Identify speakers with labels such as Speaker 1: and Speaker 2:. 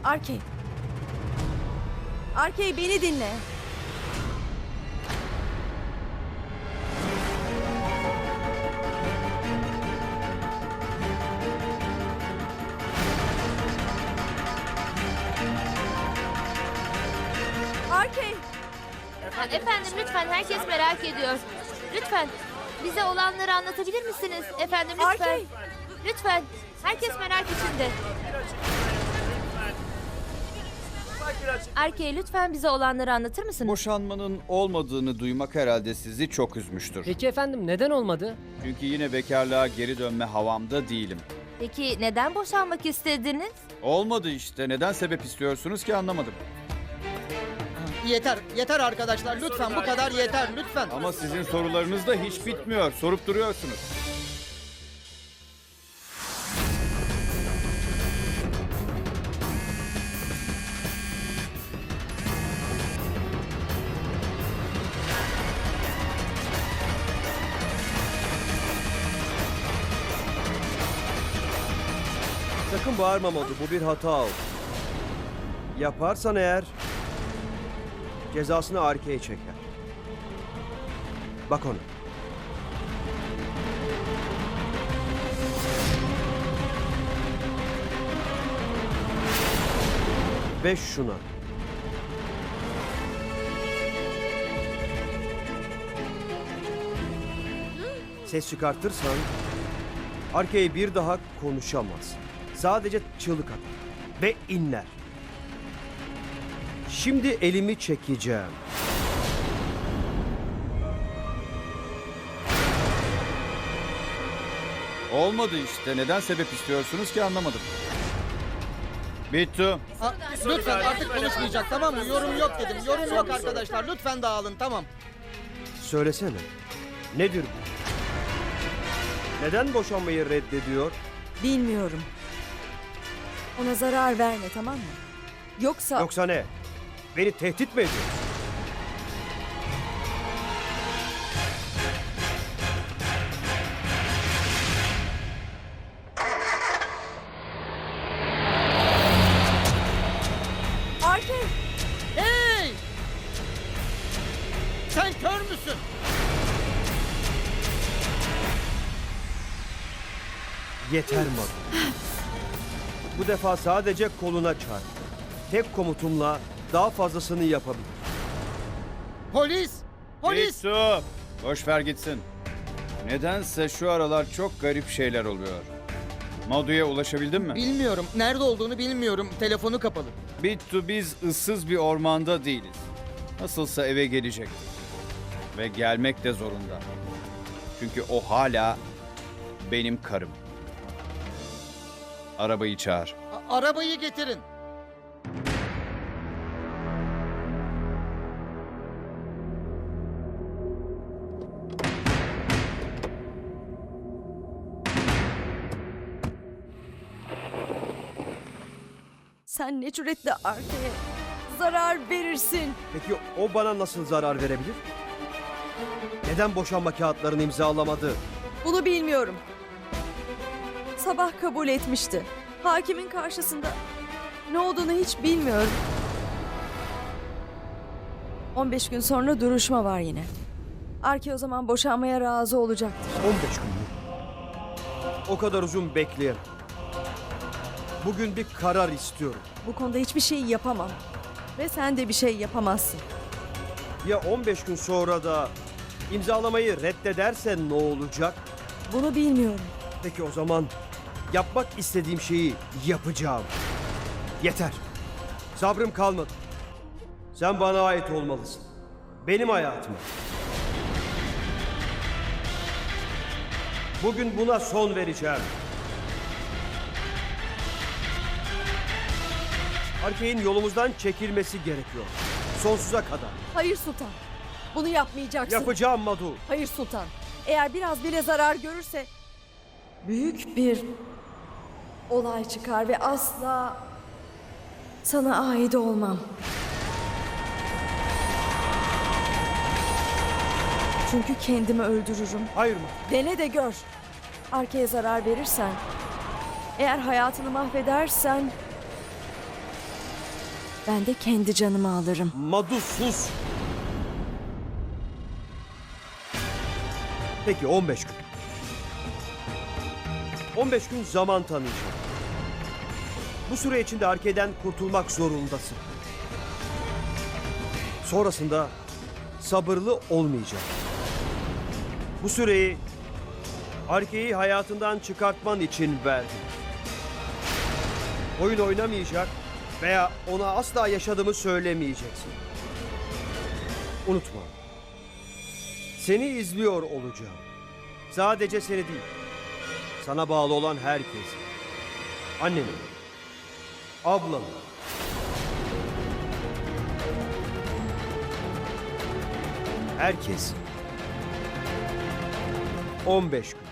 Speaker 1: Arkey. Arkey, beni dinle. Arkey.
Speaker 2: Efendim lütfen, herkes merak ediyor. Lütfen bize olanları anlatabilir misiniz? Efendim lütfen.
Speaker 1: Arkey.
Speaker 2: Lütfen. Herkes merak içinde. Arkey, lütfen bize olanları anlatır mısınız?
Speaker 3: Boşanmanın olmadığını duymak herhalde sizi çok üzmüştür.
Speaker 4: Peki efendim neden olmadı?
Speaker 3: Çünkü yine bekarlığa geri dönme havamda değilim.
Speaker 2: Peki neden boşanmak istediniz?
Speaker 3: Olmadı işte. Neden sebep istiyorsunuz ki anlamadım.
Speaker 5: Yeter, yeter arkadaşlar. Lütfen bu kadar yeter, lütfen.
Speaker 3: Ama sizin sorularınız da hiç bitmiyor. Sorup duruyorsunuz.
Speaker 6: Sakın bağırma Madu, bu bir hata oldu. Yaparsan eğer cezasını arkaya çeker. Bak ona. Ve şuna. Ses çıkartırsan arkaya bir daha konuşamaz. Sadece çığlık atar ve inler. Şimdi elimi çekeceğim.
Speaker 3: Olmadı işte. Neden sebep istiyorsunuz ki anlamadım. Bittu.
Speaker 5: Lütfen artık konuşmayacak, tamam mı? Yorum yok dedim. Yorum yok arkadaşlar. Lütfen dağılın, tamam.
Speaker 6: Söylesene. Nedir bu? Neden boşanmayı reddediyor?
Speaker 1: Bilmiyorum. Ona zarar verme, tamam mı?
Speaker 6: Yoksa ne? Beni tehdit mi ediyor?
Speaker 1: Arkey.
Speaker 5: Hey! Sen kör müsün?
Speaker 6: Yeter Madu. Bu defa sadece koluna çarp. Tek komutumla daha fazlasını yapabilir.
Speaker 5: Polis! Polis!
Speaker 3: Bittu. Boş ver gitsin. Nedense şu aralar çok garip şeyler oluyor. Madu'ya ulaşabildin mi?
Speaker 5: Bilmiyorum. Nerede olduğunu bilmiyorum. Telefonu kapalı.
Speaker 3: Bittu, biz ıssız bir ormanda değiliz. Nasılsa eve gelecektir. Ve gelmek de zorunda. Çünkü o hala benim karım. Arabayı çağır.
Speaker 5: Arabayı getirin.
Speaker 1: Sen ne cüretle Arkey'e zarar verirsin.
Speaker 6: Peki o bana nasıl zarar verebilir? Neden boşanma kağıtlarını imzalamadı?
Speaker 1: Bunu bilmiyorum. Sabah kabul etmişti. Hakimin karşısında ne olduğunu hiç bilmiyorum. 15 gün sonra duruşma var yine. Arkey o zaman boşanmaya razı olacaktır.
Speaker 6: 15 gün mü? O kadar uzun bekleyemem. Bugün bir karar istiyorum.
Speaker 1: Bu konuda hiçbir şey yapamam. Ve sen de bir şey yapamazsın.
Speaker 6: Ya 15 gün sonra da imzalamayı reddedersen ne olacak?
Speaker 1: Bunu bilmiyorum.
Speaker 6: Peki o zaman yapmak istediğim şeyi yapacağım. Yeter. Sabrım kalmadı. Sen bana ait olmalısın. Benim hayatıma. Bugün buna son vereceğim. Arkey'in yolumuzdan çekilmesi gerekiyor. Sonsuza kadar.
Speaker 1: Hayır Sultan. Bunu yapmayacaksın.
Speaker 6: Yapacağım Madu.
Speaker 1: Hayır Sultan. Eğer biraz bile zarar görürse büyük bir olay çıkar ve asla sana ait olmam. Çünkü kendimi öldürürüm.
Speaker 6: Hayır mı?
Speaker 1: Dene de gör. Arkaya zarar verirsen, eğer hayatını mahvedersen ben de kendi canımı alırım.
Speaker 6: Madu sus. Peki 15 gün. 15 gün zaman tanıyacağım. Bu süre içinde Arke'den kurtulmak zorundasın. Sonrasında sabırlı olmayacağım. Bu süreyi Arke'yi hayatından çıkartman için verdim. Oyun oynamayacak veya ona asla yaşadığımı söylemeyeceksin. Unutma. Seni izliyor olacağım. Sadece seni değil. Sana bağlı olan herkes. Anneni, ablanı. Herkes. 15 gün.